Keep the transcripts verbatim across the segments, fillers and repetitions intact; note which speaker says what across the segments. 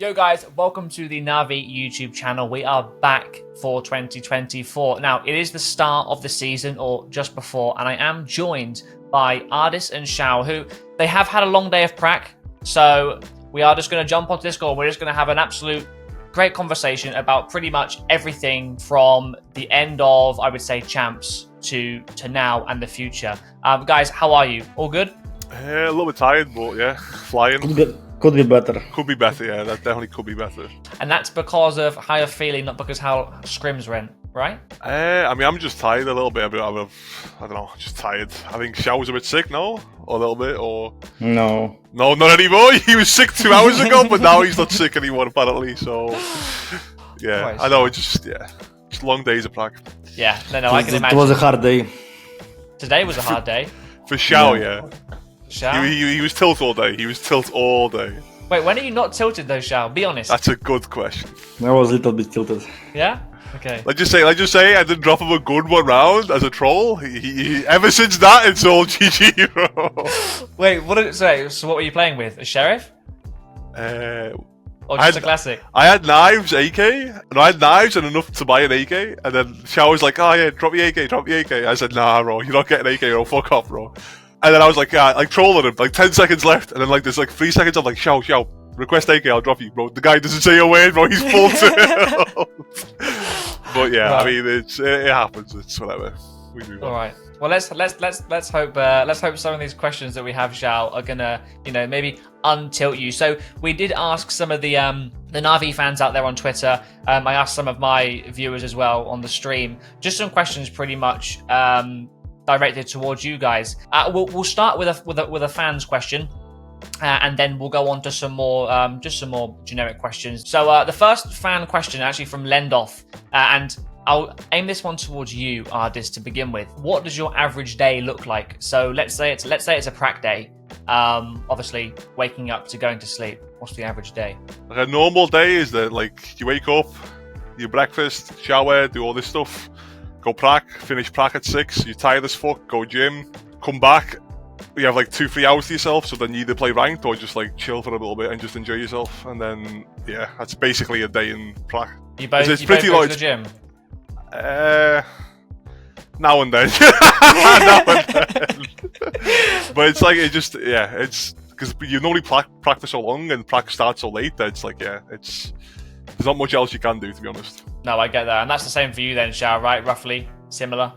Speaker 1: Yo guys, welcome to the Navi YouTube channel. We are back for twenty twenty-four. Now, it is the start of the season, or just before, and I am joined by Ardis and Shao, who they have had a long day of prac, so we are just going to jump onto this call. We're just going to have an absolute great conversation about pretty much everything from the end of, I would say, champs to to now and the future. Um, guys, how are you? All good?
Speaker 2: Uh, a little bit tired, but yeah, flying.
Speaker 3: Could be, could be better.
Speaker 2: Could be better, yeah, that definitely could be better.
Speaker 1: And that's because of how you're feeling, not because how scrims went, right?
Speaker 2: Uh, I mean, I'm just tired a little bit. I'm, I'm, I don't know, just tired. I think Xiao's a bit sick now, or a little bit, or...
Speaker 3: No.
Speaker 2: No, not anymore. He was sick two hours ago, but now he's not sick anymore, apparently, so... Yeah,
Speaker 1: Christ.
Speaker 2: I know, it's just, yeah, just long days of prac.
Speaker 1: Yeah, no, no, I can
Speaker 3: it,
Speaker 1: imagine.
Speaker 3: it was a hard day.
Speaker 1: Today was a hard day.
Speaker 2: For Xiao, yeah.
Speaker 1: Shao?
Speaker 2: He, he, he was tilt all day. He was tilt all day.
Speaker 1: Wait, when are you not tilted though, Shao? Be honest.
Speaker 2: That's a good question.
Speaker 3: I was a little bit tilted.
Speaker 1: Yeah? Okay.
Speaker 2: Let's just say, let's just say, I didn't drop him a good one round as a troll. He, he, ever since that, it's all G G, bro.
Speaker 1: Wait, what did it say? So what were you playing with? A sheriff?
Speaker 2: Uh,
Speaker 1: Or
Speaker 2: I
Speaker 1: just
Speaker 2: had-
Speaker 1: a classic?
Speaker 2: I had knives, A K, and I had knives and enough to buy an A K, and then Xiao was like, oh yeah, drop the A K, drop the A K. I said, nah, bro, you're not getting A K, bro, fuck off, bro. And then I was like, yeah, like trolling him, like ten seconds left, and then like there's like three seconds, I'm like, Xiao, Xiao, request A K, I'll drop you, bro. The guy doesn't say a word, bro, he's full tilt. But yeah,
Speaker 1: Right.
Speaker 2: I mean, it's, it, it happens, it's whatever. We move on.
Speaker 1: All right. Well, let's let's let's let's hope uh, let's hope some of these questions that we have, Shao, are gonna you know maybe untilt you. So we did ask some of the um the Navi fans out there on Twitter. Um, I asked some of my viewers as well on the stream. Just some questions, pretty much um directed towards you guys. Uh, we'll we'll start with a with a with a fans question. Uh, and then we'll go on to some more, um, just some more generic questions. So uh, the first fan question, actually from Lendoff, uh, and I'll aim this one towards you, Ardis, to begin with. What does your average day look like? So let's say it's let's say it's a prac day. Um, obviously, waking up to going to sleep. What's the average day?
Speaker 2: Like a normal day is that like you wake up, you breakfast, shower, do all this stuff, go prac, finish prac at six, you're tired as fuck, go gym, come back. You have like two, three hours to yourself, so then you either play ranked or just like chill for a little bit and just enjoy yourself. And then, yeah, that's basically a day in prac.
Speaker 1: You both,
Speaker 2: It's
Speaker 1: you
Speaker 2: pretty
Speaker 1: both go
Speaker 2: like-
Speaker 1: to the gym?
Speaker 2: Uh, now and then. now and then. But it's like, it just, yeah, it's because you normally prac, practice so long and prac starts so late that it's like, yeah, it's, there's not much else you can do, to be honest.
Speaker 1: No, I get that. And that's the same for you then, Shao, right? Roughly similar?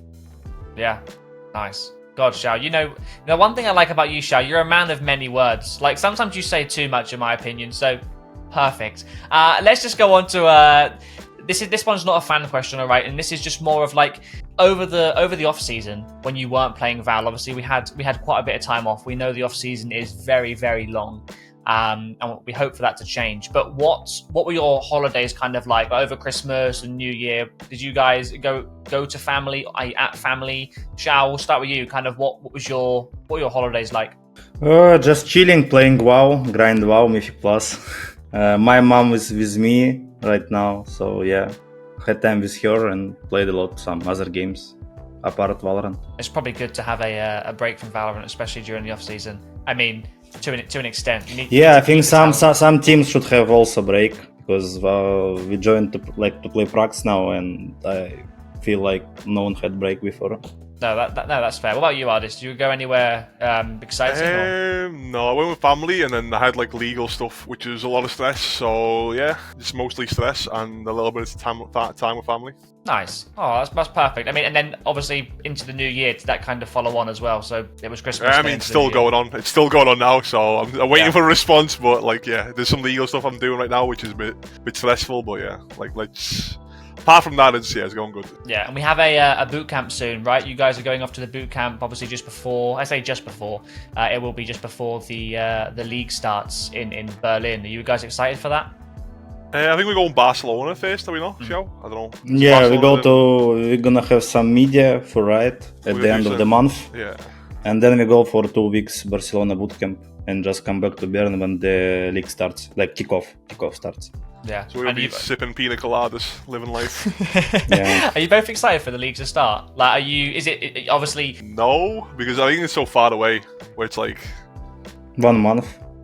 Speaker 1: Yeah. Nice. God, Shao, you know, the one thing I like about you, Shao, you're a man of many words. Like, sometimes you say too much, in my opinion, so perfect. Uh, let's just go on to, uh, this is this one's not a fan question, all right? And this is just more of like, over the over the off season, when you weren't playing Val, obviously we had we had quite a bit of time off. We know the off season is very, very long. Um, and we hope for that to change. But what what were your holidays kind of like over Christmas and New Year? Did you guys go go to family? Are you at family? Shao, we'll start with you. Kind of what, what was your what were your holidays like?
Speaker 3: Uh, just chilling, playing WoW, grind WoW, Mythic Plus. Uh, my mom is with me right now, so yeah, had time with her and played a lot some other games apart Valorant.
Speaker 1: It's probably good to have a uh, a break from Valorant, especially during the off season. I mean, to an to an extent. You need, you
Speaker 3: Yeah,
Speaker 1: need
Speaker 3: I
Speaker 1: to
Speaker 3: think
Speaker 1: keep
Speaker 3: some,
Speaker 1: it
Speaker 3: some some teams should have also break because uh, we joined to like to play pracs now, and I feel like no one had break before.
Speaker 1: No, that, that no, that's fair. What about you, Ardis? Do you go anywhere um, exciting? or-
Speaker 2: Um, no, I went with family, and then I had like legal stuff, which is a lot of stress. So yeah, it's mostly stress and a little bit of time time with family.
Speaker 1: Nice. Oh, that's, that's perfect. I mean, and then obviously into the new year, did that kind of follow on as well? So it was Christmas.
Speaker 2: I
Speaker 1: then
Speaker 2: mean,
Speaker 1: into
Speaker 2: it's
Speaker 1: the
Speaker 2: still
Speaker 1: new year.
Speaker 2: going on. It's still going on now, so I'm, I'm waiting
Speaker 1: Yeah.
Speaker 2: for a response. But like, yeah, there's some legal stuff I'm doing right now, which is a bit, bit stressful. But yeah, like let's. Apart from that, it's yeah, it's going good.
Speaker 1: Yeah, and we have a uh, a boot camp soon, right? You guys are going off to the boot camp, obviously just before. I say just before. Uh, it will be just before the uh, the league starts in in Berlin. Are you guys excited for that?
Speaker 2: Uh, I think we're going Barcelona first. Are we not? Xiao? I don't know. Is
Speaker 3: Yeah, we go
Speaker 2: Barcelona
Speaker 3: to we're gonna have some media for Riot at
Speaker 2: We're
Speaker 3: the
Speaker 2: gonna
Speaker 3: end
Speaker 2: do
Speaker 3: of the
Speaker 2: some-
Speaker 3: month.
Speaker 2: then? Yeah.
Speaker 3: And then we go for two weeks Barcelona bootcamp and just come back to Bern when the league starts, like kickoff, kickoff starts.
Speaker 1: Yeah.
Speaker 2: So we'll
Speaker 1: And
Speaker 2: be
Speaker 1: you-
Speaker 2: sipping pina coladas, living life.
Speaker 3: Yeah.
Speaker 1: Are you both excited for the league to start? Like, are you? Is it, it obviously?
Speaker 2: No, because I think it's so far away. Where it's like,
Speaker 3: One month.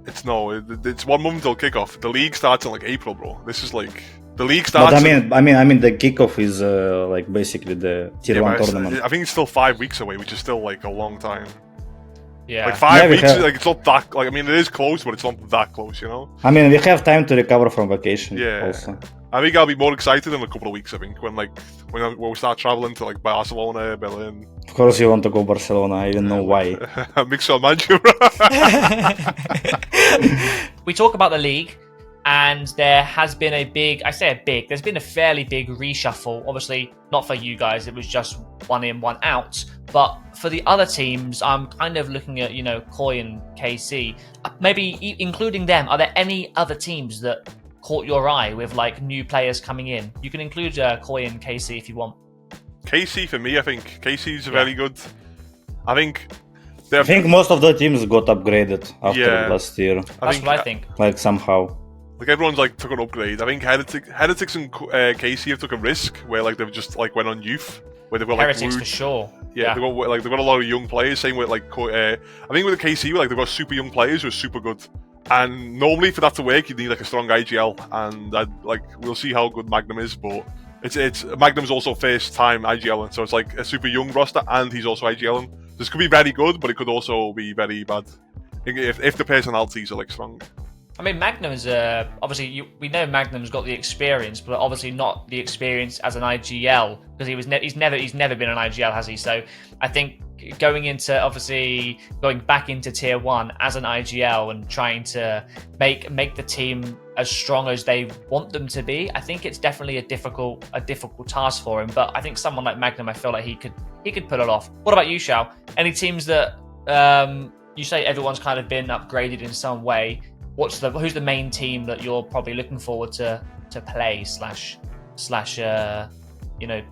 Speaker 2: It's no, it, it's one month till kickoff. The league starts in like April, bro. This is like the league starts.
Speaker 3: But I
Speaker 2: in-
Speaker 3: mean, I mean, I mean, the kickoff is uh, like basically the tier
Speaker 2: Yeah,
Speaker 3: one
Speaker 2: but it's-
Speaker 3: tournament.
Speaker 2: I think it's still five weeks away, which is still like a long time.
Speaker 1: Yeah.
Speaker 2: Like five
Speaker 3: Yeah, we
Speaker 2: weeks,
Speaker 3: have-
Speaker 2: like it's not that. Like I mean, it is close, but it's not that close, you know.
Speaker 3: I mean, we have time to recover from vacation.
Speaker 2: Yeah.
Speaker 3: Also.
Speaker 2: I think I'll be more excited in a couple of weeks. I think when like when, I, when we start traveling to like Barcelona, Berlin,
Speaker 3: Of course, you want to go Barcelona. I even know why.
Speaker 2: Mixer Manchu.
Speaker 1: We talk about the league, and there has been a big, I say a big, there's been a fairly big reshuffle. Obviously, not for you guys, it was just one in, one out. But for the other teams, I'm kind of looking at, you know, Koi and K C. Maybe e- including them, are there any other teams that caught your eye with like new players coming in? You can include uh, Koi and K C if you want.
Speaker 2: K C for me, I think K C's
Speaker 1: Yeah.
Speaker 2: very good. I think.
Speaker 3: I think most of the teams got upgraded after
Speaker 2: Yeah.
Speaker 3: last year,
Speaker 2: I
Speaker 1: That's
Speaker 2: think,
Speaker 1: what I think.
Speaker 3: like somehow.
Speaker 2: Like everyone's like took an upgrade. I think Heretics, Heretics and uh, K C have took a risk where like they've just like went on youth, where they've got like
Speaker 1: Heretics
Speaker 2: Wood-
Speaker 1: for sure.
Speaker 2: Yeah,
Speaker 1: Yeah.
Speaker 2: they've got like they've got a lot of young players. Same with like Co- uh, I think with the K C, like they've got super young players who are super good. And normally for that to work, you need like a strong I G L. And I'd, like we'll see how good Magnum is, but it's it's Magnum's also first time I G L, so it's like a super young roster, and he's also I G L. This could be very good, but it could also be very bad if if the personalities are like strong.
Speaker 1: I mean, Magnum's uh, obviously you, we know Magnum's got the experience, but obviously not the experience as an I G L because he was ne- he's never he's never been an I G L, has he? So I think going into obviously going back into tier one as an I G L and trying to make make the team as strong as they want them to be, I think it's definitely a difficult a difficult task for him. But I think someone like Magnum, I feel like he could he could pull it off. What about you, Shao? Any teams that um, you say everyone's kind of been upgraded in some way? What's the who's the main team that you're probably looking forward to to play slash slash uh, you know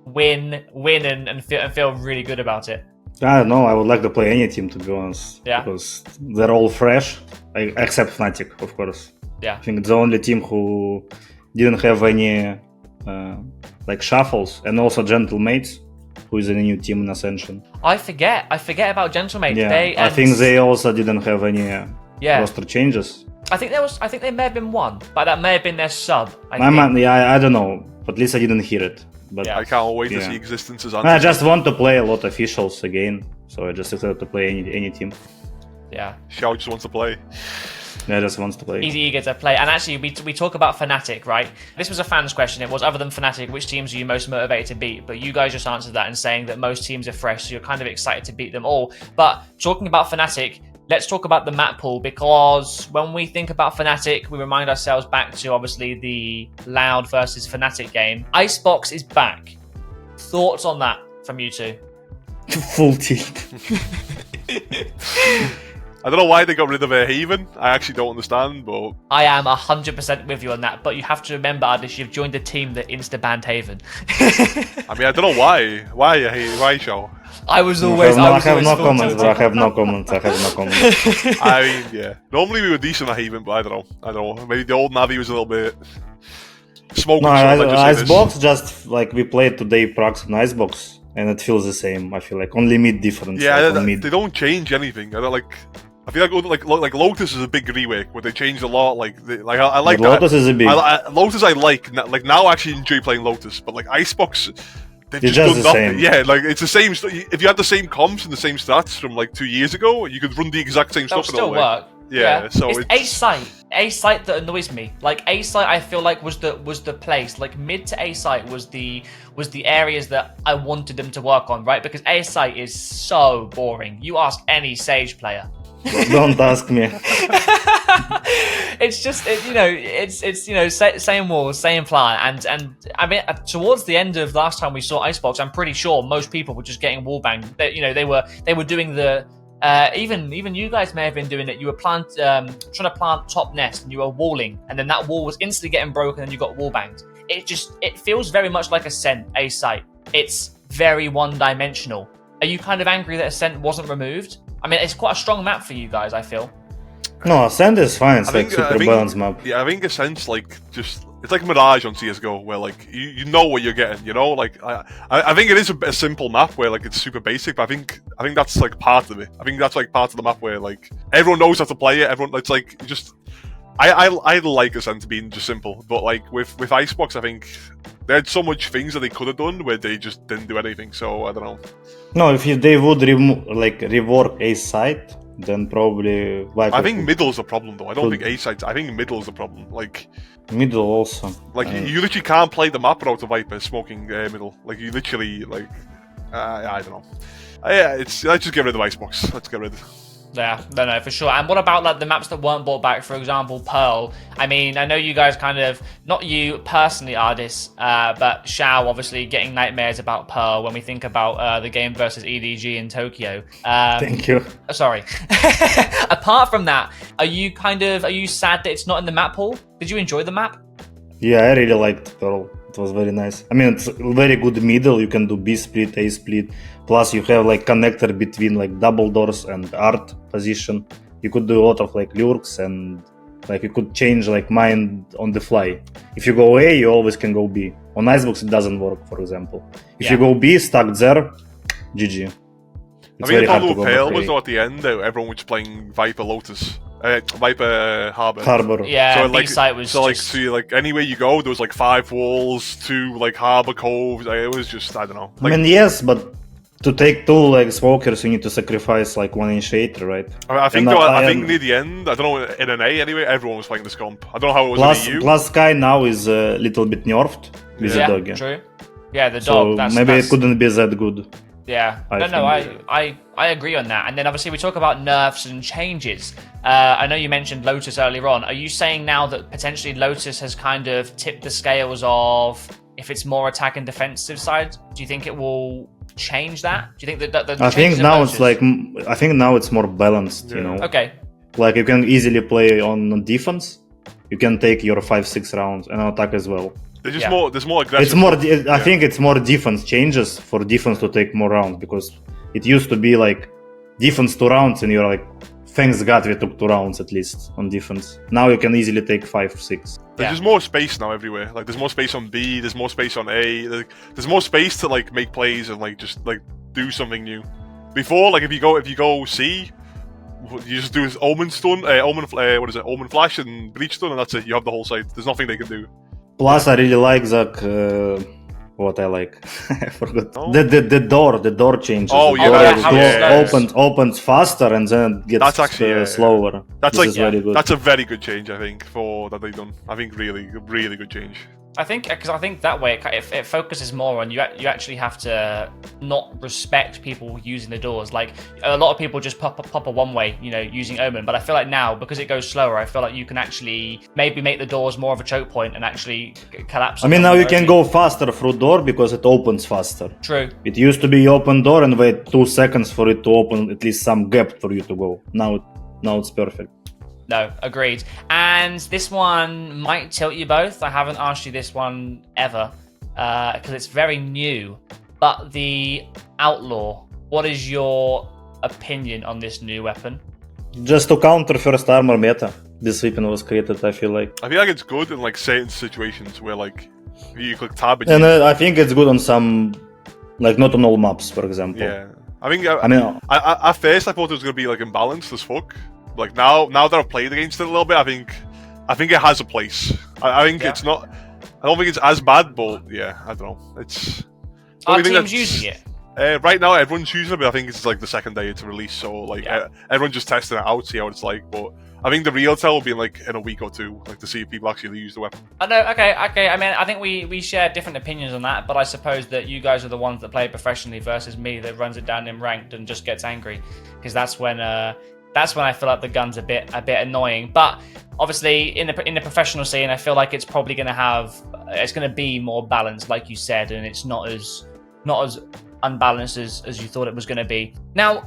Speaker 1: win win and, and feel and feel really good about it?
Speaker 3: I don't know. I would like to play any team, to be honest.
Speaker 1: Yeah.
Speaker 3: Because they're all fresh, I- except Fnatic, of course.
Speaker 1: Yeah.
Speaker 3: I think it's the only team who didn't have any uh, like shuffles, and also Gentlemates, who is in a new team in Ascension.
Speaker 1: I forget I forget about Gentlemate.
Speaker 3: Yeah,
Speaker 1: They,
Speaker 3: I
Speaker 1: and-
Speaker 3: think they also didn't have any uh,
Speaker 1: yeah.
Speaker 3: roster changes.
Speaker 1: I think there was I think there may have been one, but that may have been their sub. I
Speaker 3: I,
Speaker 1: think.
Speaker 3: man, yeah, I, I don't know. At least I didn't hear it. But
Speaker 1: Yeah.
Speaker 2: I can't wait to
Speaker 3: Yeah.
Speaker 2: see existences.
Speaker 3: I just want to play a lot of officials again, so I just excited to play any any team.
Speaker 1: Yeah.
Speaker 2: Xiao just wants to play.
Speaker 3: I just wants to play.
Speaker 1: He's eager to play. And actually, we, we talk about Fnatic, right? This was a fan's question. It was, other than Fnatic, which teams are you most motivated to beat? But you guys just answered that and saying that most teams are fresh, so you're kind of excited to beat them all. But talking about Fnatic, let's talk about the map pool, because when we think about Fnatic, we remind ourselves back to, obviously, the Loud versus Fnatic game. Icebox is back. Thoughts on that from you two?
Speaker 3: Full tilt.
Speaker 2: I don't know why they got rid of a Haven. I actually don't understand, but
Speaker 1: I am one hundred percent with you on that, but you have to remember, Adish, you've joined a team that insta-banned Haven.
Speaker 2: I mean I don't know why. Why hey, why Xiao?
Speaker 1: I was
Speaker 3: I
Speaker 1: always.
Speaker 3: have no,
Speaker 1: I
Speaker 3: I
Speaker 1: was
Speaker 3: have
Speaker 1: always
Speaker 3: no
Speaker 1: full
Speaker 3: comments, bro. I
Speaker 1: tilted.
Speaker 3: have no comments. I have no comments.
Speaker 2: I mean, yeah. Normally we were decent at Haven, but I don't know. I don't know. Maybe the old Navi was a little bit smoking.
Speaker 3: No,
Speaker 2: so
Speaker 3: I,
Speaker 2: let's just say this.
Speaker 3: Icebox just like we played today Prax on Icebox, and it feels the same. I feel like only mid difference.
Speaker 2: Yeah,
Speaker 3: like,
Speaker 2: they,
Speaker 3: on mid.
Speaker 2: they don't change anything. I don't like. I feel like like like Lotus is a big rework, where they changed a lot. Like they, like I, I like
Speaker 3: But Lotus is a big.
Speaker 2: I, I, Lotus I like N- like now I actually enjoy playing Lotus, but like Icebox, they've
Speaker 3: It's
Speaker 2: just,
Speaker 3: just
Speaker 2: done
Speaker 3: the
Speaker 2: nothing.
Speaker 3: same.
Speaker 2: Yeah, like it's the same. St- if you had the same comps and the same stats from like two years ago, you could run the exact same
Speaker 1: That'll
Speaker 2: stuff. and
Speaker 1: still
Speaker 2: it'll
Speaker 1: work.
Speaker 2: Yeah, so
Speaker 1: it's,
Speaker 2: it's-
Speaker 1: A site. A site that annoys me. Like A site, I feel like was the was the place. Like mid to A site was the was the areas that I wanted them to work on, right? Because A site is so boring. You ask any Sage player.
Speaker 3: Don't ask me.
Speaker 1: It's just it, you know it's it's you know sa- same walls, same plan, and and I mean uh, towards the end of last time we saw Icebox, I'm pretty sure most people were just getting wallbanged. They, you know they were they were doing the uh, even even you guys may have been doing it. You were plant um, trying to plant top nest and you were walling, and then that wall was instantly getting broken and you got wallbanged. It just it feels very much like Ascent A site. It's very one dimensional. Are you kind of angry that Ascent wasn't removed? I mean, it's quite a strong map for you guys, I feel.
Speaker 3: No, Ascent is fine. It's
Speaker 2: I
Speaker 3: like
Speaker 2: think- I
Speaker 3: super
Speaker 2: think-
Speaker 3: balanced map.
Speaker 2: Yeah, I think Ascent's like just it's like Mirage on C S G O, where like you, you know what you're getting. You know, like I I, I think it is a, a simple map where like it's super basic, but I think I think that's like part of it. I think that's like part of the map where like everyone knows how to play it. Everyone, it's like you just. I, I I like Ascent being just simple, but like with with Icebox, I think they had so much things that they could have done where they just didn't do anything. So I don't know.
Speaker 3: No, if you, they would remo- like rework A side, then probably Viper
Speaker 2: I think
Speaker 3: could-
Speaker 2: middle's a problem though. I don't
Speaker 3: could-
Speaker 2: think A sides. I think middle's a problem. Like
Speaker 3: middle also.
Speaker 2: like
Speaker 3: Uh,
Speaker 2: you, you literally can't play the map without a Viper smoking uh, middle. Like you literally like uh, I don't know. Uh, yeah, it's let's just get rid of Icebox. Let's get rid.
Speaker 1: Yeah, no, no, for sure. And what about like the maps that weren't brought back? For example, Pearl. I mean, I know you guys kind of, not you personally, Ardis, uh, but Shao obviously getting nightmares about Pearl when we think about uh, the game versus E D G in Tokyo. Um,
Speaker 3: Thank you.
Speaker 1: Sorry. Apart from that, are you kind of, are you sad that it's not in the map pool? Did you enjoy the map?
Speaker 3: Yeah, I really liked Pearl. It was very nice. I mean, it's very good middle. You can do B split, A split. Plus, you have like connector between like double doors and art position. You could do a lot of like lurks and like you could change like mind on the fly. If you go A, you always can go B. On Icebox, it doesn't work, for example. If
Speaker 1: Yeah.
Speaker 3: you go B, stuck there, G G.
Speaker 2: I
Speaker 3: It's
Speaker 2: mean,
Speaker 3: very
Speaker 2: the
Speaker 3: hard to
Speaker 2: problem
Speaker 3: go
Speaker 2: with Pale
Speaker 3: back
Speaker 2: was
Speaker 3: A.
Speaker 2: though at the end though, everyone was playing Viper Lotus, uh, Viper Harbor.
Speaker 3: Harbor.
Speaker 1: Yeah,
Speaker 2: So
Speaker 1: B
Speaker 2: like,
Speaker 1: site was
Speaker 2: so like,
Speaker 1: just...
Speaker 2: so you, like anywhere you go, there was like five walls, two like harbor coves. Like, it was just, I don't know. Like,
Speaker 3: I mean, yes, but to take two like smokers, you need to sacrifice like one initiator, right?
Speaker 2: I, mean, I think
Speaker 3: and
Speaker 2: though,
Speaker 3: I-
Speaker 2: I,
Speaker 3: I
Speaker 2: think
Speaker 3: am-
Speaker 2: near the end, I don't know, in an A anyway, everyone was playing the Scomp. I don't know how it was
Speaker 3: Plus,
Speaker 2: in E U.
Speaker 3: plus Sky now is a little bit nerfed with
Speaker 1: yeah,
Speaker 3: the doggy.
Speaker 1: true. Yeah, the
Speaker 3: So
Speaker 1: dog. that's,
Speaker 3: maybe
Speaker 1: that's...
Speaker 3: it couldn't be that good.
Speaker 1: Yeah,
Speaker 3: I
Speaker 1: no, no, I,
Speaker 3: think-
Speaker 1: I, I agree on that. And then obviously we talk about nerfs and changes. Uh, I know you mentioned Lotus earlier on. Are you saying now that potentially Lotus has kind of tipped the scales of if it's more attack and defensive side? Do you think it will change that? Do you think that, that the
Speaker 3: I think
Speaker 1: changes of
Speaker 3: now
Speaker 1: Lotus-
Speaker 3: it's like mm, I think now it's more balanced. You
Speaker 2: Yeah.
Speaker 3: know,
Speaker 1: okay,
Speaker 3: like you can easily play on defense. You can take your five six rounds and attack as well.
Speaker 2: There's just
Speaker 1: Yeah.
Speaker 2: more, there's more aggressive.
Speaker 3: It's more. I
Speaker 2: Yeah.
Speaker 3: think it's more defense changes for defense to take more rounds because it used to be like defense two rounds and you're like, thanks God we took two rounds at least on defense. Now you can easily take five six.
Speaker 2: There's
Speaker 1: Yeah.
Speaker 2: just more space now everywhere. Like there's more space on B, there's more space on A. Like, there's more space to like make plays and like just like do something new. Before, like if you go if you go C, you just do Omen Stun, uh, Omen, uh, what is it, Omen Flash and Breach Stun, and that's it. You have the whole site. There's nothing they can do.
Speaker 3: Plus, I really like that. Uh, what I like, I forgot.
Speaker 2: Oh.
Speaker 3: The, the the door, the door changes.
Speaker 2: Oh,
Speaker 3: the
Speaker 2: yeah,
Speaker 3: door
Speaker 1: that-
Speaker 3: is
Speaker 1: how
Speaker 2: it
Speaker 3: clo-
Speaker 1: slows.
Speaker 3: opens opens faster and then it gets
Speaker 2: That's actually,
Speaker 3: uh,
Speaker 2: yeah, yeah.
Speaker 3: slower.
Speaker 2: That's
Speaker 3: this
Speaker 2: like
Speaker 3: is very good.
Speaker 2: that's a very good change, I think, for that they've done. I think really, really good change.
Speaker 1: I think because I think that way it, it, it focuses more on you. You actually have to not respect people using the doors. Like a lot of people just pop pop a one way, you know, using Omen. But I feel like now because it goes slower, I feel like you can actually maybe make the doors more of a choke point and actually c- collapse.
Speaker 3: I mean,
Speaker 1: them
Speaker 3: now you can
Speaker 1: remotely.
Speaker 3: go faster through door because it opens faster.
Speaker 1: True.
Speaker 3: It used to be open door and wait two seconds for it to open at least some gap for you to go. Now, it, now it's perfect.
Speaker 1: No, agreed. And this one might tilt you both. I haven't asked you this one ever because it's very new. But the Outlaw, what is your opinion on this new weapon?
Speaker 3: Just to counter first armor meta, this weapon was created. I feel like,
Speaker 2: I feel like it's good in like certain situations where like you click tab and,
Speaker 3: and
Speaker 2: you,
Speaker 3: uh, I think it's good on some, like not on all maps, for example.
Speaker 2: yeah. I think I,
Speaker 3: I mean,
Speaker 2: I, I, at first I thought it was gonna be like imbalanced as fuck. Like now, now that I've played against it a little bit, I think, I think it has a place. I, I think
Speaker 1: Yeah.
Speaker 2: it's not. I don't think it's as bad, but yeah, I don't know. It's.
Speaker 1: Are
Speaker 2: only thing
Speaker 1: teams
Speaker 2: that's-
Speaker 1: using it?
Speaker 2: Uh, right now, everyone's using it, but I think it's like the second day it's released, so like
Speaker 1: Yeah.
Speaker 2: uh, everyone's just testing it out, see how it's like. But I think the real tell will be in, like in a week or two, like to see if people actually use the weapon.
Speaker 1: I know. Okay, okay. I mean, I think we we share different opinions on that, but I suppose that you guys are the ones that play it professionally versus me that runs it down in ranked and just gets angry, because that's when uh that's when I feel like the gun's a bit a bit annoying. But obviously, in the in the professional scene, I feel like it's probably going to have it's going to be more balanced, like you said, and it's not as not as unbalanced as as you thought it was going to be. Now,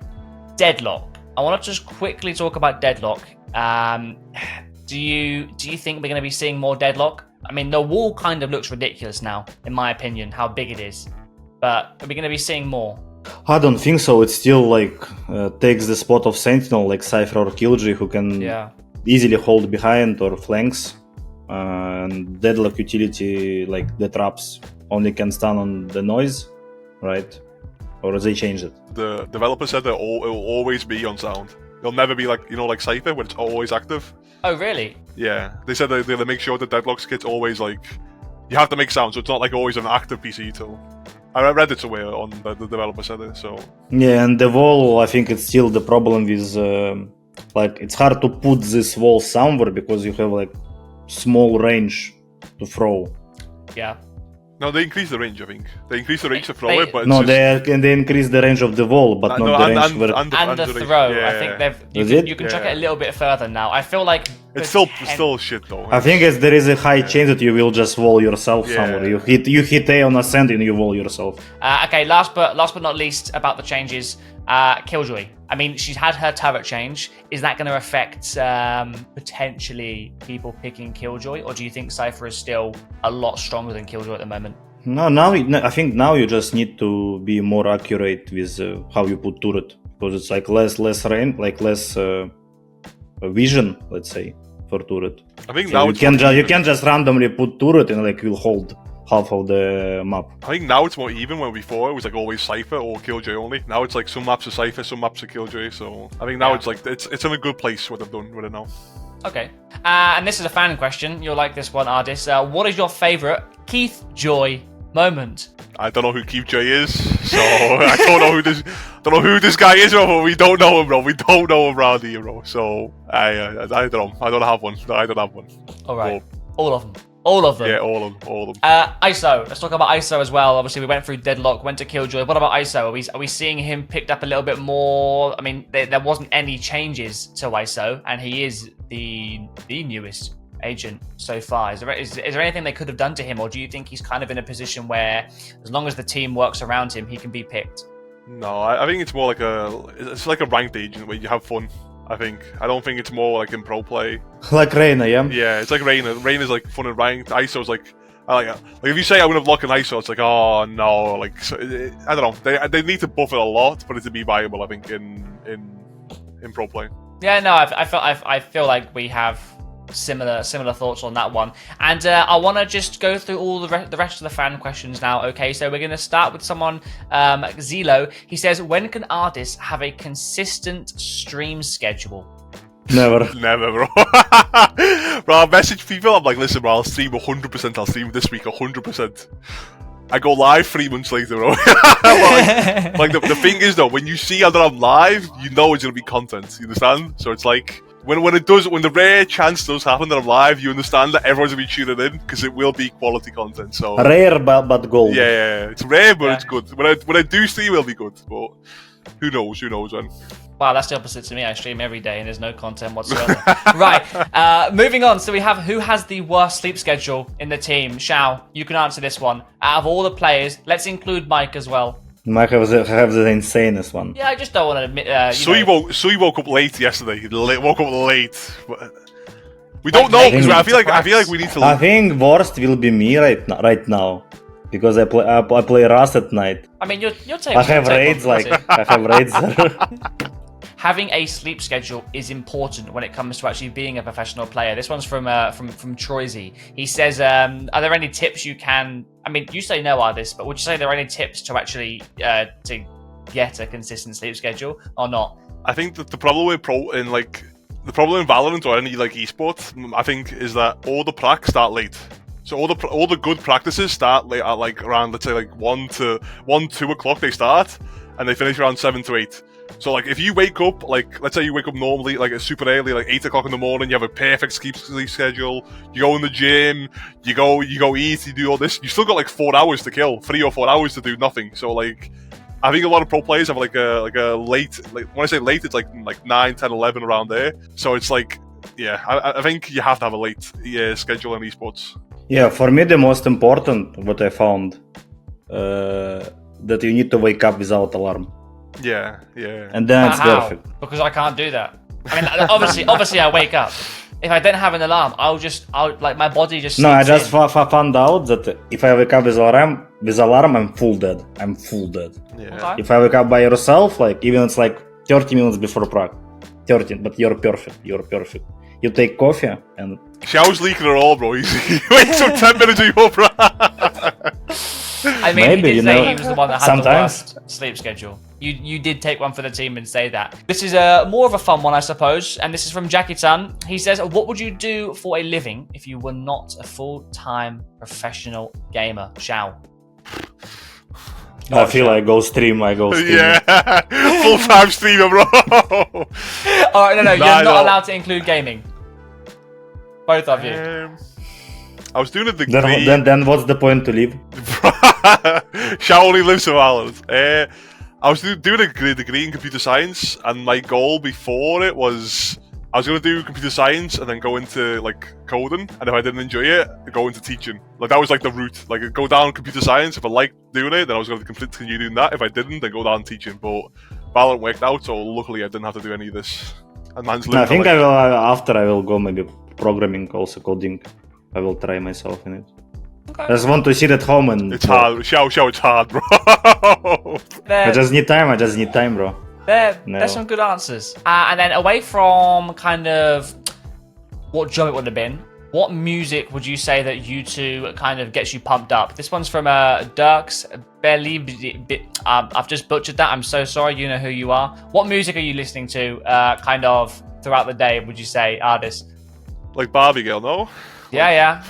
Speaker 1: Deadlock. I want to just quickly talk about Deadlock. Um, do you do you think we're going to be seeing more Deadlock? I mean, the wall kind of looks ridiculous now, in my opinion, how big it is. But are we going to be seeing more?
Speaker 3: I don't think so. It still like uh, takes the spot of Sentinel, like Cypher or Killjoy, who can
Speaker 1: Yeah.
Speaker 3: easily hold behind or flanks. uh, and Deadlock utility, like the traps, only can stand on the noise, right? Or they changed it?
Speaker 2: The developer said that it will always be on sound. It'll never be like, you know, like Cypher, where it's always active.
Speaker 1: Oh, really?
Speaker 2: Yeah, they said that they'll make sure the Deadlock's kit's always like, you have to make sound, so it's not like always an active P C tool. I read it somewhere on the, the developer said it, so.
Speaker 3: Yeah, and the wall, I think it's still the problem with, um like, it's hard to put this wall somewhere because you have like small range to throw.
Speaker 1: Yeah.
Speaker 2: No, they increased the range, I think. They increased the range to throw
Speaker 1: They-
Speaker 2: it, but it's
Speaker 3: No,
Speaker 2: just...
Speaker 3: they they increase the range of the wall, but
Speaker 2: Uh,
Speaker 3: not
Speaker 2: no,
Speaker 3: the
Speaker 2: and,
Speaker 3: range
Speaker 2: and,
Speaker 3: where.
Speaker 2: and, the,
Speaker 1: And
Speaker 2: and
Speaker 1: the
Speaker 2: range.
Speaker 1: throw,
Speaker 2: Yeah.
Speaker 1: I think they've. You
Speaker 3: Is
Speaker 1: can,
Speaker 3: it?
Speaker 1: you can chuck it
Speaker 2: Yeah.
Speaker 1: a little bit further now. I feel like
Speaker 2: It's still
Speaker 1: poten-
Speaker 2: still shit though.
Speaker 3: I think as there is a high chance that you will just wall yourself
Speaker 2: Yeah.
Speaker 3: somewhere. You hit you hit A on ascent and you wall yourself.
Speaker 1: Uh, okay, last but last but not least about the changes, uh, Killjoy. I mean, she's had her turret change. Is that going to affect um, potentially people picking Killjoy, or do you think Cypher is still a lot stronger than Killjoy at the moment?
Speaker 3: No, now it- no, I think now you just need to be more accurate with uh, how you put turret because it's like less less range, like less uh, vision, let's say, for turret.
Speaker 2: I think
Speaker 3: So
Speaker 2: now
Speaker 3: you
Speaker 2: it's
Speaker 3: can
Speaker 2: more
Speaker 3: ju- you
Speaker 2: even.
Speaker 3: can just randomly put turret and like will hold half of the map.
Speaker 2: I think now it's more even. When before it was like always Cypher or Killjoy only. Now it's like some maps are Cypher, some maps are Killjoy. So I think now
Speaker 1: Yeah.
Speaker 2: it's like it's it's in a good place what they've done with it now.
Speaker 1: Okay. Uh, and this is a fan question. You'll like this one, Ardis. Uh, what is your favorite Keith Joy moment?
Speaker 2: I don't know who Keith J is, so I don't know who this don't know who this guy is, bro. But we don't know him, bro. We don't know him around here, bro. So I uh, I don't know. I don't have one. I don't have one.
Speaker 1: All right. All of them. All of them.
Speaker 2: Yeah, all of them. All of them.
Speaker 1: Uh, I S O. Let's talk about I S O as well. Obviously, we went through Deadlock, went to Killjoy. What about I S O? Are we are we seeing him picked up a little bit more? I mean, there, there wasn't any changes to I S O, and he is the the newest agent so far. Is there is, is there anything they could have done to him, or do you think he's kind of in a position where, as long as the team works around him, he can be picked?
Speaker 2: No, I, I think it's more like a it's like a ranked agent where you have fun. I think I don't think it's more like in pro play.
Speaker 3: Like Reyna, yeah.
Speaker 2: Yeah, it's like Reyna. Reyna's like fun and ranked. I S O's like I like like if you say I would have locked an I S O, it's like oh no, like so, it, I don't know. They they need to buff it a lot for it to be viable. I think in in in pro play.
Speaker 1: Yeah, no, I, I feel I, I feel like we have similar similar thoughts on that one, and uh, I want to just go through all the re- the rest of the fan questions now. Okay, so we're going to start with someone, um, Zelo. He says, when can artists have a consistent stream schedule?
Speaker 3: Never.
Speaker 2: Never, bro. Bro, I message people. I'm like, listen, bro, I'll stream one hundred percent. I'll stream this week one hundred percent. I go live three months later, bro. like, like the, the thing is, though, when you see that I'm live, you know it's gonna be content. You understand? So it's like when when it does, when the rare chance does happen that I'm live, you understand that everyone's gonna be tuning in because it will be quality content. So
Speaker 3: Rare but, but gold.
Speaker 2: yeah, yeah, yeah. It's rare, but
Speaker 1: Yeah.
Speaker 2: it's good. When I when I do stream, it'll be good. But who knows? Who knows, man?
Speaker 1: Wow, that's the opposite to me. I stream every day and there's no content whatsoever. Right, uh, moving on. So we have who has the worst sleep schedule in the team. Shao, you can answer this one. Out of all the players, let's include Mike as well.
Speaker 3: Might have the, have the insanest one.
Speaker 1: Yeah, I just don't want to admit. Uh, you
Speaker 2: Sui
Speaker 1: know,
Speaker 2: woke Sui woke up late yesterday. He la- woke up late. But we don't
Speaker 1: Like,
Speaker 2: know
Speaker 1: late
Speaker 2: because
Speaker 3: to
Speaker 2: I feel like I feel like
Speaker 1: practice.
Speaker 2: we need to.
Speaker 3: I think worst will be me right now, right now, because I play I, I play Rust at night.
Speaker 1: I mean, you're you're taking.
Speaker 3: I have raids like I have raids.
Speaker 1: Having a sleep schedule is important when it comes to actually being a professional player. This one's from uh, from from Troisy. He says, um, "Are there any tips you can? I mean, you say no, are this, but would you say there are any tips to actually uh, to get a consistent sleep schedule or not?"
Speaker 2: I think that the problem with pro in like the problem in Valorant or any like esports, mm, I think, is that all the pracs start late. So all the pr- all the good practices start late at like around let's say like one to one two o'clock they start, and they finish around seven to eight. So like if you wake up like let's say you wake up normally like super early like eight o'clock in the morning, you have a perfect sleep sleep schedule. You go in the gym, you go you go eat, you do all this. You still got like four hours to kill, three or four hours to do nothing. So like I think a lot of pro players have like a like a late like when I say late it's like like nine, ten, eleven around there. So it's like yeah, I, I think you have to have a late yeah, schedule in esports.
Speaker 3: Yeah, for me the most important what I found uh, that you need to wake up without alarm,
Speaker 2: Yeah, yeah.
Speaker 3: and then
Speaker 1: But
Speaker 3: it's
Speaker 1: how?
Speaker 3: perfect.
Speaker 1: Because I can't do that. I mean, obviously, obviously, I wake up. If I don't have an alarm, I'll just, I'll like my body just.
Speaker 3: No, I
Speaker 1: sleeps
Speaker 3: just
Speaker 1: in.
Speaker 3: f- f- found out that if I wake up with alarm, with alarm, I'm full dead. I'm full dead.
Speaker 2: yeah.
Speaker 1: Okay.
Speaker 3: If I wake up by yourself, like even it's like thirty minutes before prac, thirty, but you're perfect. You're perfect. you take coffee and
Speaker 2: Xiao's leaking it all, bro. He's, he wakes up ten minutes before, bro.
Speaker 1: I mean,
Speaker 3: Maybe,
Speaker 1: he did
Speaker 3: you
Speaker 1: say
Speaker 3: know,
Speaker 1: he was the one that had
Speaker 3: sometimes.
Speaker 1: the worst sleep schedule. You you did take one for the team and say that. This is a more of a fun one, I suppose, and this is from Jackie-chan. He says, what would you do for a living if you were not a full-time professional gamer? Xiao.
Speaker 3: I feel I go stream, I go stream.
Speaker 2: Yeah, full-time streamer, bro.
Speaker 1: All right, no, no,
Speaker 2: Nah,
Speaker 1: you're not
Speaker 2: no.
Speaker 1: allowed to include gaming. Both of you.
Speaker 2: Um, I was doing a degree.
Speaker 3: Then, then, then what's the point to leave?
Speaker 2: Xiao only lives in Ireland. Uh, I was do- doing a degree, degree in computer science, and my goal before it was I was going to do computer science and then go into like coding, and if I didn't enjoy it, go into teaching. Like that was like the route. Like go down computer science. If I liked doing it, then I was going to continue doing that. If I didn't, then go down teaching. But Valorant worked out, so luckily I didn't have to do any of this. And man's
Speaker 3: No, I
Speaker 2: living
Speaker 3: think
Speaker 2: like,
Speaker 3: I will, uh, after I will go maybe programming, also coding. I will try myself in it.
Speaker 1: Okay.
Speaker 3: I just want to sit at home and...
Speaker 2: It's hard. Xiao, Xiao, it's hard, bro.
Speaker 1: There,
Speaker 3: I just need time, I just need time, bro.
Speaker 1: there,
Speaker 3: No.
Speaker 1: there's some good answers. Uh, and then away from kind of what job it would have been, what music would you say that you two kind of gets you pumped up? This one's from uh, Dirks Belly. Um, I've just butchered that. I'm so sorry. You know who you are. What music are you listening to uh, kind of throughout the day, would you say, artist?
Speaker 2: Like Barbie girl, no?
Speaker 1: Yeah,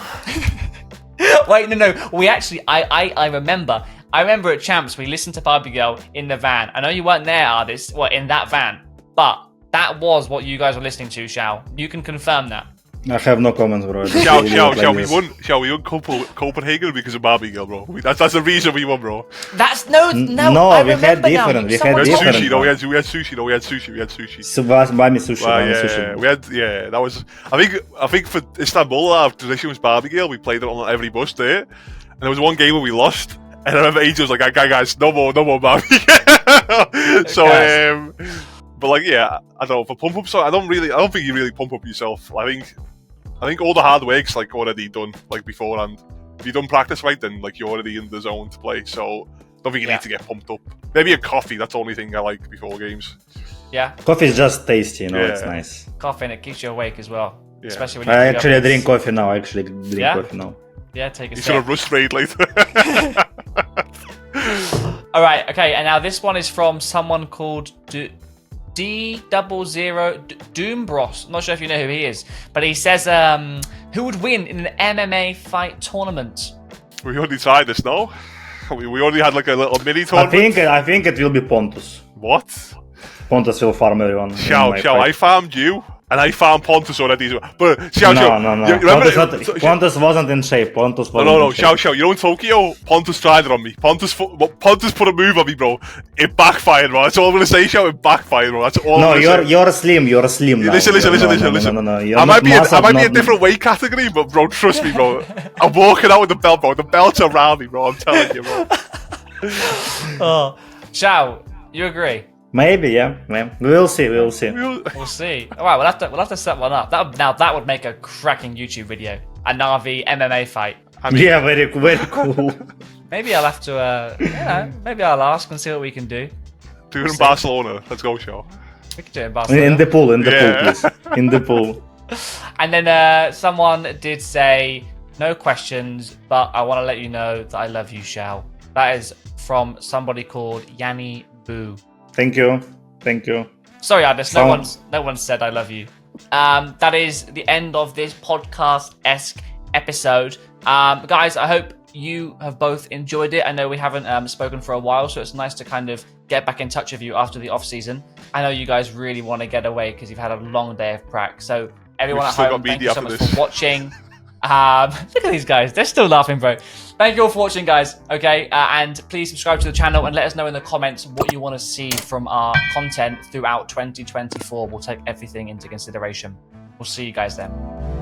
Speaker 1: yeah. Wait, no, no. We actually, I, I, I remember. I remember at Champs, we listened to Barbie Girl in the van. I know you weren't there, artist, well, in that van, but that was what you guys were listening to, Xiao. You can confirm that.
Speaker 3: I have no comments, bro. I just
Speaker 2: Xiao,
Speaker 3: really
Speaker 2: Xiao,
Speaker 3: like
Speaker 2: Xiao, we
Speaker 3: this.
Speaker 2: won. Xiao, we won Copen- Copenhagen because of Barbie girl, bro. We, that's that's the reason we won, bro.
Speaker 1: That's no, no.
Speaker 3: no,
Speaker 1: I
Speaker 3: we had
Speaker 1: remember
Speaker 3: different,
Speaker 1: now.
Speaker 3: we had
Speaker 1: Someone
Speaker 2: We had
Speaker 1: told me.
Speaker 2: sushi,
Speaker 3: different
Speaker 2: no, we
Speaker 3: one.
Speaker 2: had we had sushi, no, we had sushi, we had sushi.
Speaker 3: So, Bami sushi,
Speaker 2: Well,
Speaker 3: Bami
Speaker 2: yeah,
Speaker 3: sushi.
Speaker 2: we had yeah. That was I think I think for Istanbul our tradition was Barbie girl. We played it on every bus there, and there was one game where we lost. And I remember Angel was like, "Guys, guys, no more, no more Barbie." So,
Speaker 1: Guys.
Speaker 2: um, but like, yeah, I don't know for pump up. So I don't really, I don't think you really pump up yourself. I think, I think all the hard work's like already done, like beforehand. If you done practice right, then like you're already in the zone to play. So I don't think you
Speaker 1: Yeah.
Speaker 2: need to get pumped up. Maybe a coffee. That's the only thing I like before games.
Speaker 1: Yeah,
Speaker 3: Coffee is just tasty, you know, it's
Speaker 2: Yeah.
Speaker 3: nice.
Speaker 1: coffee and it keeps you awake as well.
Speaker 2: Yeah.
Speaker 1: Especially when you
Speaker 3: I
Speaker 1: have
Speaker 3: actually
Speaker 1: your-
Speaker 3: drink coffee now, I actually drink
Speaker 1: Yeah?
Speaker 3: coffee now.
Speaker 1: Yeah, take a
Speaker 2: You should
Speaker 1: sip.
Speaker 2: have rust trade later.
Speaker 1: All right, okay, and now this one is from someone called D, D double zero D- Doombros. I'm not sure if you know who he is, but he says, um, "Who would win in an M M A fight tournament?"
Speaker 2: We already tried this, no? We, we already had like a little mini
Speaker 3: I
Speaker 2: tournament.
Speaker 3: think I think it will be Pontus.
Speaker 2: What?
Speaker 3: Pontus will farm everyone. in
Speaker 2: Xiao,
Speaker 3: my
Speaker 2: Xiao,
Speaker 3: fight.
Speaker 2: I farmed you, and I farmed Pontus already. as well. But Xiao,
Speaker 3: no,
Speaker 2: Xiao,
Speaker 3: no, no,
Speaker 2: you, you remember
Speaker 3: Pontus, not,
Speaker 2: so-
Speaker 3: Pontus wasn't in shape. Pontus
Speaker 2: No,
Speaker 3: wasn't
Speaker 2: no, no,
Speaker 3: in shape.
Speaker 2: Xiao, Xiao, you know in Tokyo, Pontus tried it on me. Pontus, fu- well, Pontus put a move on me, bro. It backfired, bro. That's all I'm gonna say, Xiao. It backfired, bro. That's all
Speaker 3: No,
Speaker 2: I'm
Speaker 3: you're
Speaker 2: gonna say.
Speaker 3: you're slim. You're slim now.
Speaker 2: Listen, listen,
Speaker 3: You're-
Speaker 2: listen,
Speaker 3: no,
Speaker 2: listen,
Speaker 3: no,
Speaker 2: listen.
Speaker 3: No, no, no, you're
Speaker 2: I might
Speaker 3: not
Speaker 2: be, a, I
Speaker 3: muscled,
Speaker 2: might be a
Speaker 3: not-
Speaker 2: different weight category, but bro, trust me, bro. I'm walking out with the belt, bro. The belt's around me, bro. I'm telling you, bro.
Speaker 1: Oh, Xiao, you agree?
Speaker 3: Maybe, yeah, yeah. We will see. We will see.
Speaker 1: We'll see. All right, we'll have to we'll have to set one up. That now that would make a cracking YouTube video. A Na'Vi M M A fight.
Speaker 2: I mean,
Speaker 3: Yeah, very very cool.
Speaker 1: Maybe I'll have to, uh, you know, maybe I'll ask and see what we can do.
Speaker 2: do it in Barcelona. Let's go, Xiao.
Speaker 1: We could do it in Barcelona.
Speaker 3: In the pool, in the
Speaker 2: Yeah.
Speaker 3: pool, please. In the pool.
Speaker 1: And then uh, someone did say, no questions, but I want to let you know that I love you, Xiao. That is from somebody called Yanni Boo.
Speaker 3: Thank you. Thank you.
Speaker 1: Sorry, Adis, no
Speaker 3: Sound-
Speaker 1: one's no one said I love you. Um, that is the end of this podcast-esque episode. Um, guys, I hope you have both enjoyed it. I know we haven't um, spoken for a while, so it's nice to kind of get back in touch with you after the off-season. I know you guys really want to get away because you've had a long day of prac. So everyone
Speaker 2: We've
Speaker 1: at
Speaker 2: still
Speaker 1: home,
Speaker 2: got
Speaker 1: thank
Speaker 2: media
Speaker 1: you so
Speaker 2: after
Speaker 1: much
Speaker 2: this.
Speaker 1: for watching. Um, look at these guys. They're still laughing, bro. Thank you all for watching, guys. Okay, uh, and please subscribe to the channel and let us know in the comments what you want to see from our content throughout twenty twenty-four. We'll take everything into consideration. We'll see you guys then.